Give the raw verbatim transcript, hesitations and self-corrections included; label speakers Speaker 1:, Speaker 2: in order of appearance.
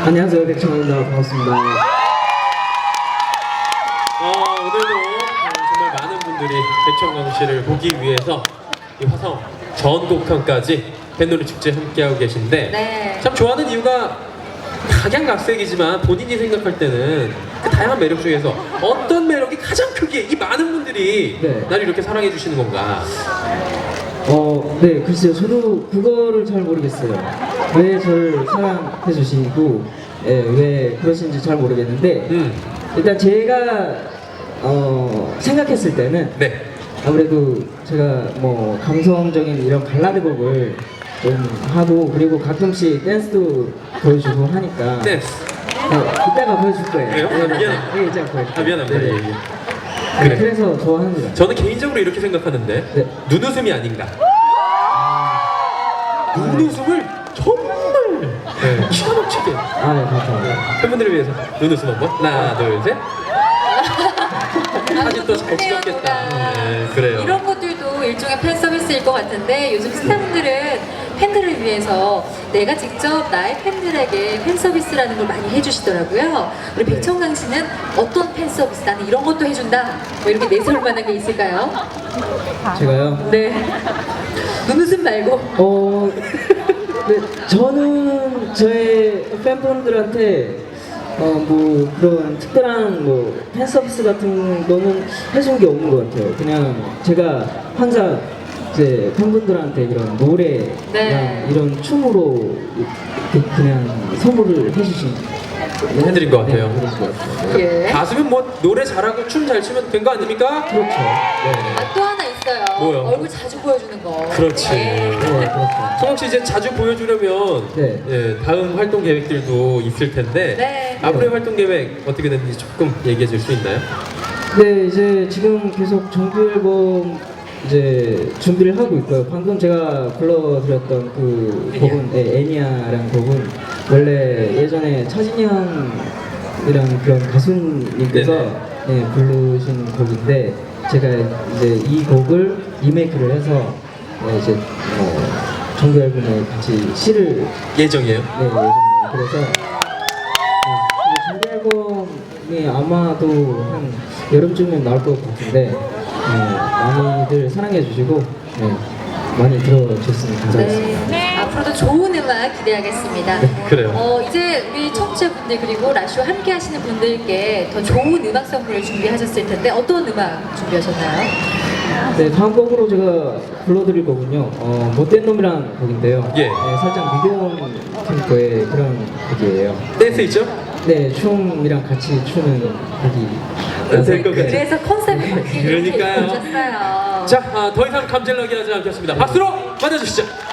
Speaker 1: 안녕하세요, 백청입니다. 반갑습니다.
Speaker 2: 어, 오늘도 정말 많은 분들이 백청광 씨를 보기 위해서 이 화성 전곡편까지 팬놀이 축제 함께하고 계신데
Speaker 3: 네.
Speaker 2: 참 좋아하는 이유가 각양각색이지만 본인이 생각할 때는 그 다양한 매력 중에서 어떤 매력이 가장 크기에 이 많은 분들이
Speaker 1: 네.
Speaker 2: 나를 이렇게 사랑해 주시는 건가?
Speaker 1: 어, 네, 글쎄요. 저도 그거를 잘 모르겠어요. 왜 저를 사랑해 주시고, 예, 왜 그러신지 잘 모르겠는데,
Speaker 2: 음,
Speaker 1: 일단 제가, 어, 생각했을 때는,
Speaker 2: 네.
Speaker 1: 아무래도 제가 뭐, 감성적인 이런 발라드 곡을 좀 하고, 그리고 가끔씩 댄스도 보여주고 하니까,
Speaker 2: 네.
Speaker 1: 네, 이따가 보여줄 거예요.
Speaker 2: 그래요? 아, 미안합니다.
Speaker 1: 네, 이따가 보여줄게요.
Speaker 2: 아, 미안합니다.
Speaker 1: 네,
Speaker 2: 예,
Speaker 1: 네.
Speaker 2: 예.
Speaker 1: 네,
Speaker 2: 그래.
Speaker 1: 그래서 좋아합니다.
Speaker 2: 저는 개인적으로 이렇게 생각하는데
Speaker 1: 네.
Speaker 2: 눈웃음이 아닌가. 눈웃음을 정말 네, 기가 막히게
Speaker 1: 아, 네, 감사합니다.
Speaker 2: 팬분들을 위해서 눈웃음 한번 하나 둘셋 사진 또 잘 찍었겠다. 네, 그래요.
Speaker 3: 이런 것들도 일종의 팬 서비스일 것 같은데 요즘 스타분들은 팬들을 위해서 내가 직접 나의 팬들에게 팬 서비스라는 걸 많이 해주시더라고요. 우리 백청강 씨는 어떤 팬 서비스, 나는 이런 것도 해준다, 뭐 이렇게 내세울 만한 게 있을까요?
Speaker 1: 제가요?
Speaker 3: 네. 눈웃음 말고.
Speaker 1: 어, 네, 저는 저의 팬분들한테 어, 뭐 그런 특별한 뭐 팬 서비스 같은 거는 해준 게 없는 것 같아요. 그냥 제가 항상 이제 팬분들한테 이런 노래랑
Speaker 3: 네.
Speaker 1: 이런 춤으로 이렇게 그냥 선물을 해주신
Speaker 2: 해드린 것 같아요.
Speaker 1: 네, 그런 것 같아요.
Speaker 3: 예.
Speaker 2: 가수면 뭐 노래 잘하고 춤 잘 추면 된 거 아닙니까?
Speaker 1: 그렇죠.
Speaker 2: 네.
Speaker 3: 아, 또 하나 있어요.
Speaker 2: 뭐요?
Speaker 3: 얼굴 자주 보여주는 거.
Speaker 2: 그렇지.
Speaker 3: 예.
Speaker 1: 네, 그렇죠.
Speaker 2: 성욱 씨 이제 자주 보여주려면
Speaker 1: 네.
Speaker 2: 예, 다음 활동 계획들도 있을 텐데
Speaker 3: 네.
Speaker 2: 앞으로의 활동 계획 어떻게 됐는지 조금 얘기해 줄 수 있나요?
Speaker 1: 네, 이제 지금 계속 정규 앨범 이제 준비를 하고 있고요. 방금 제가 불러드렸던 그
Speaker 2: 애니야.
Speaker 1: 곡은 네, 애니아라는 곡은 원래 예전에 차진이 형이랑 그런 가수님께서 네, 부르신 곡인데 제가 이제 이 곡을 리메이크를 해서 네, 이제 어, 정규 앨범에 같이 시를
Speaker 2: 예정이에요.
Speaker 1: 네, 예정이에요. 그래서 네, 정규 앨범이 아마도 한 여름쯤에 나올 것 같은데 네, 많이들 사랑해 주시고 네, 많이 들어주셨으면 감사하겠습니다.
Speaker 3: 네. 앞으로도 좋은 음악 기대하겠습니다.
Speaker 2: 그래요.
Speaker 3: 어, 이제 우리 청취자분들 그리고 라쇼 함께 하시는 분들께 더 좋은 음악 선물을 준비하셨을 텐데 어떤 음악 준비하셨나요?
Speaker 1: 네, 다음 곡으로 제가 불러드릴 거군요. 어, 못된 놈이란 곡인데요.
Speaker 2: 예.
Speaker 1: 네, 살짝 미디엄 템포의 그런 곡이에요.
Speaker 2: 댄스 있죠?
Speaker 1: 네, 춤이랑 같이 추는 곡이
Speaker 2: 될 것 같아요.
Speaker 3: 그래서 컨셉을 바뀌게
Speaker 2: 그러니까요.
Speaker 3: 해주셨어요.
Speaker 2: 자, 아, 더 이상 감질나게 하지 않겠습니다. 박수로 맞아주시죠.